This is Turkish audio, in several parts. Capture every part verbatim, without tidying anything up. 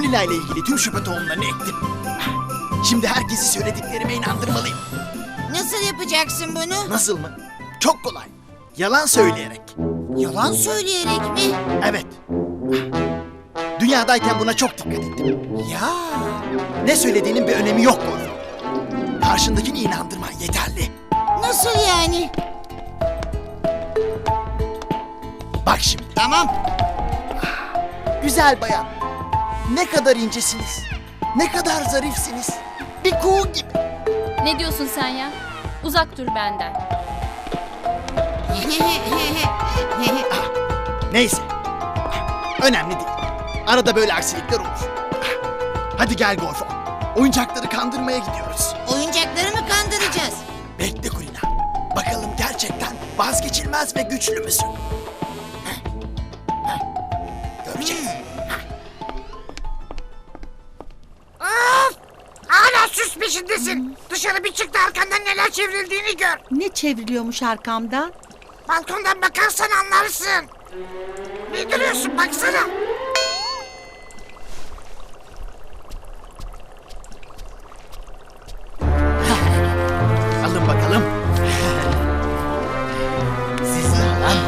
Kulina ile ilgili tüm şüphe tohumlarını ektim. Şimdi herkesi söylediklerime inandırmalıyım. Nasıl yapacaksın bunu? Nasıl mı? Çok kolay. Yalan söyleyerek. Yalan söyleyerek mi? Evet. Dünyadayken buna çok dikkat ettim. Ya. Ne söylediğinin bir önemi yok Gorfo. Karşındakini inandırman yeterli. Nasıl yani? Bak şimdi. Tamam. Güzel bayan. Ne kadar incesiniz. Ne kadar zarifsiniz. Bir kuğu gibi. Ne diyorsun sen ya? Uzak dur benden. Neyse. Önemli değil. Arada böyle aksilikler olur. Hadi gel Gorfo. Oyuncakları kandırmaya gidiyoruz. Oyuncakları mı kandıracağız? Bekle Kulina. Bakalım gerçekten vazgeçilmez ve güçlü müsün? Heh. Heh. Göreceğiz. Of! Hala süs peşindesin. Dışarı bir çık da arkandan neler çevrildiğini gör. Ne çevriliyormuş arkamdan? Balkondan bakarsan anlarsın. Ne duruyorsun baksana. Alın bakalım. Sizi alan.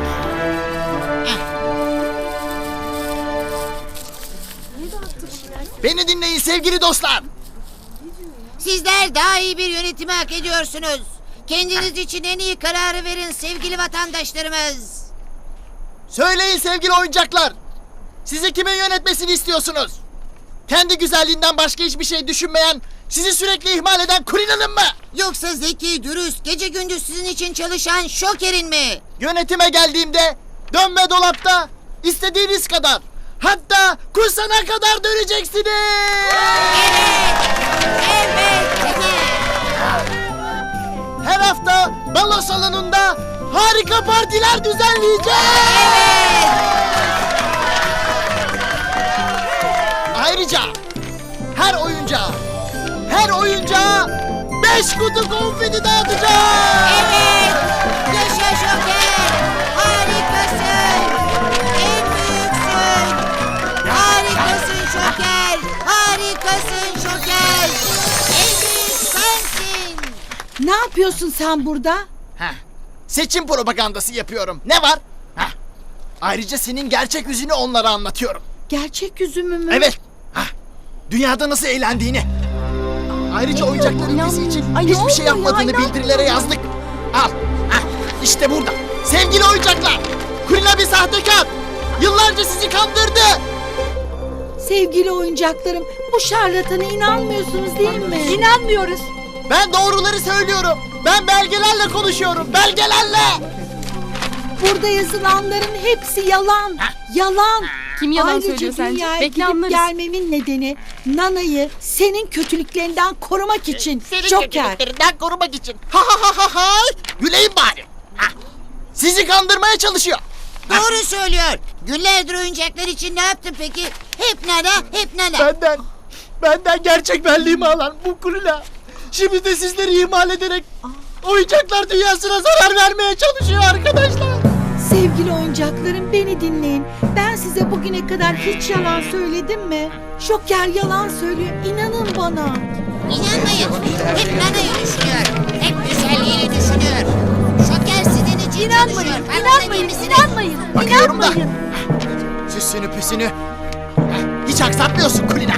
Beni dinleyin sevgili dostlar. Sizler daha iyi bir yönetimi hak ediyorsunuz. Kendiniz için en iyi kararı verin sevgili vatandaşlarımız. Söyleyin sevgili oyuncaklar. Sizi kimin yönetmesini istiyorsunuz? Kendi güzelliğinden başka hiçbir şey düşünmeyen, sizi sürekli ihmal eden Kulina'nın mı? Yoksa zeki, dürüst, gece gündüz sizin için çalışan Şoker'in mi? Yönetime geldiğimde dönme dolapta istediğiniz kadar, hatta kusana kadar döneceksiniz. Evet. Her hafta balo salonunda harika partiler düzenleyeceğiz. Ayrıca her oyuncağa, her oyuncağa beş kutu konfeti dağıtacağız. Evet. Yaşa Şoker. Harikasın. En büyüksün. Harikasın Şoker. Harikasın Şoker. En büyük sensin. Ne yapıyorsun sen burada? Heh, seçim propagandası yapıyorum. Ne var? Heh. Ayrıca senin gerçek yüzünü onlara anlatıyorum. Gerçek yüzümü mü? Evet. Heh. Dünyada nasıl eğlendiğini. Ayrıca oyuncakların ülkesi için Ay, ne hiçbir şey oluyor ya? yapmadığını bildirilere yazdık. Al. Heh. İşte burada. Sevgili oyuncaklar. Kulina bir sahtekar. Yıllarca sizi kandırdı. Sevgili oyuncaklarım, bu şarlatana inanmıyorsunuz değil mi? İnanmıyoruz. Ben doğruları söylüyorum. Ben belgelerle konuşuyorum. Belgelerle. Burada yazılanların hepsi yalan. Yalan. Kim yalan Ayrıca söylüyor sence? dünyaya Bekle gidip anlarız. gelmemin nedeni Nana'yı senin kötülüklerinden korumak için. Senin Joker. kötülüklerinden korumak için. Ha ha ha ha ha. Güleyim bari. Ha. Sizi kandırmaya çalışıyor. Doğru söylüyor. Günlerdir oyuncaklar için ne yaptın peki? Hep nana, hep nana. Benden, benden gerçek benliğimi alan bu Kulina. Şimdi de sizleri ihmal ederek oyuncaklar dünyasına zarar vermeye çalışıyor arkadaşlar. Sevgili oyuncaklarım, beni dinleyin. Ben size bugüne kadar hiç yalan söyledim mi? Joker yalan söylüyor. İnanın bana. İnanmayın. Hep nanayı düşünüyor. Hep güzelliğini düşünüyor. Şoker sizin için İnanmayın, çalışıyor. Farkında değil inanmayın, misiniz? inanmayın. Bakıyorum da. İnanmayın. Süsünü püsünü. Hiç aksatmıyorsun Kulina.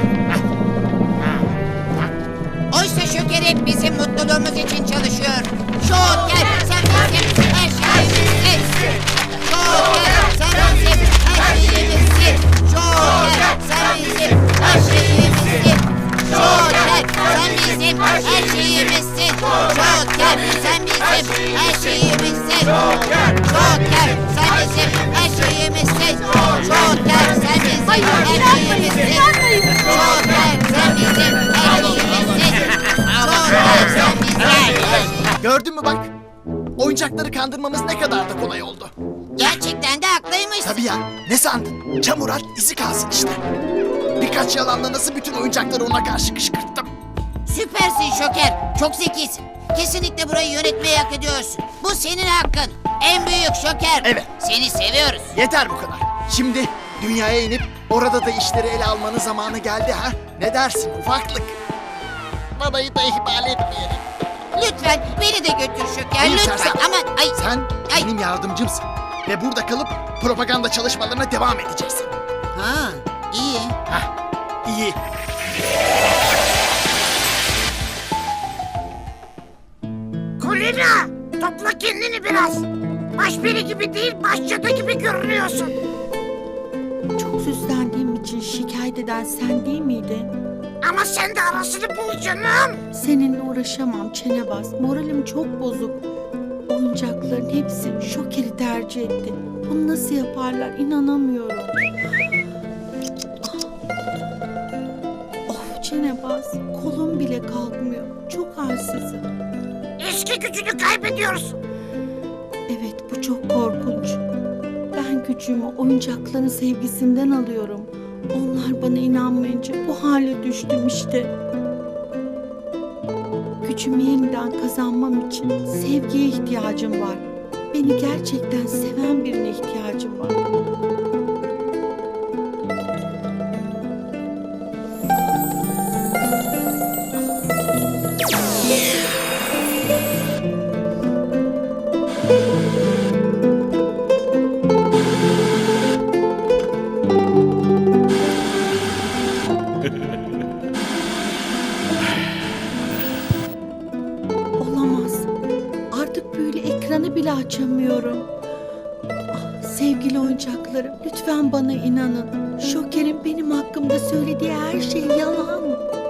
Oysa Şoker hep bizim mutluluğumuz için çalışıyor. Şoker sen bizim her şeyimizsin. Şoker sen bizim her şeyimizsin. Şoker sen bizim her şeyimizsin. Şoker sen bizim her şeyimizsin. Şoker sen bizim her şeyimizsin. Şoker sen bizim her şeyimizsin. Şoker sen bizim her şeyimizsin. Şoker sen bizim her şeyimizsin. Gördün mü bak? Oyuncakları kandırmamız ne kadar da kolay oldu. Gerçekten de haklıymışsın. Tabii ya. Ne sandın? Çamur at, izi kalsın işte. Birkaç yalanla nasıl bütün oyuncakları ona karşı kışkırttım. Süpersin Şoker. Çok zekisin. Kesinlikle burayı yönetmeyi hak ediyorsun. Bu senin hakkın. En büyük Şoker. Evet. Seni seviyoruz. Yeter bu kadar. Şimdi Dünyaya inip orada da işleri ele almanın zamanı geldi ha? Ne dersin ufaklık? Babayı da ihmal etmeyelim. Lütfen beni de götür Şoker. Hayır, Lütfen. sersem. Aman ay. Sen Ay. benim yardımcımsın. Ve burada kalıp propaganda çalışmalarına devam edeceksin. Ha, iyi. Hah, iyi. Kulina, topla kendini biraz. Başperi gibi değil, başcadı gibi görünüyorsun. Çok süslendiğim için şikayet eden sen değil miydin? Ama sen de arasını bul canım. Seninle uğraşamam Çenebaz. Moralim çok bozuk. Oyuncakların hepsi Şoker'i tercih etti. Bunu nasıl yaparlar inanamıyorum. Ah. Of Çenebaz. Kolum bile kalkmıyor. Çok halsizim. Eski gücünü kaybediyorsun. Evet bu çok korkunç. Ben gücümü oyuncakların sevgisinden alıyorum. Onlar bana inanmayınca bu hale düştüm işte. Gücümü yeniden kazanmam için sevgiye ihtiyacım var. Beni gerçekten seven birine ihtiyacım var. Olamaz. Artık büyülü ekranı bile açamıyorum. Ah, sevgili oyuncaklarım, lütfen bana inanın. Şoker'in benim hakkımda söylediği her şey yalan.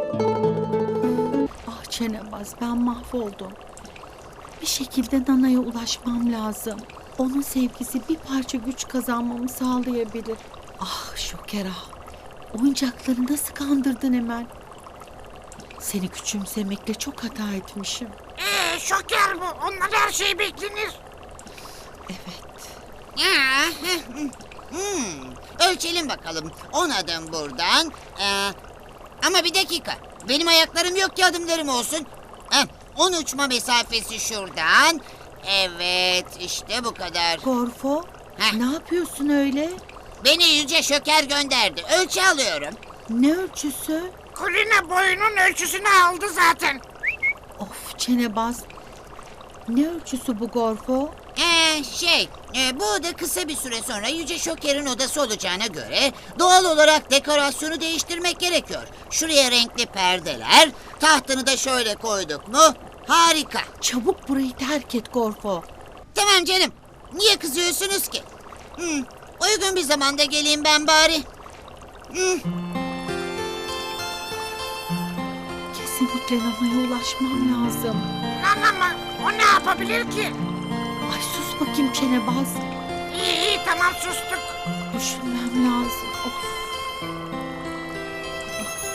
Ah Çenebaz, ben mahvoldum. Bir şekilde Nana'ya ulaşmam lazım. Onun sevgisi bir parça güç kazanmamı sağlayabilir. Ah Şoker ah. Oyuncakları nasıl kandırdın hemen? Seni küçümsemekle çok hata etmişim. Ee, şoker bu. Ondan her şey beklenir. Evet. Ya, hmm. Ölçelim bakalım. On adım buradan. Ee, ama bir dakika. Benim ayaklarım yok ki adımlarım olsun. Heh, on uçma mesafesi şuradan. Evet, işte bu kadar. Gorfo, Heh. ne yapıyorsun öyle? Beni Yüce Şoker gönderdi. Ölçü alıyorum. Ne ölçüsü? Kulina boyunun ölçüsünü aldı zaten. Of Çenebaz. Ne ölçüsü bu Gorfo? Ee, şey, e, bu oda kısa bir süre sonra Yüce Şoker'in odası olacağına göre doğal olarak dekorasyonu değiştirmek gerekiyor. Şuraya renkli perdeler, tahtını da şöyle koyduk mu? Harika. Çabuk burayı terk et Gorfo. Tamam canım. Niye kızıyorsunuz ki? Hmm, uygun bir zamanda geleyim ben bari. Hmm, Kesinlikle Nana'ya ulaşmam lazım. Nana mı? O ne yapabilir ki? Ay sus bakayım Çenebaz. İyi iyi tamam sustuk. Düşünmem lazım. Of.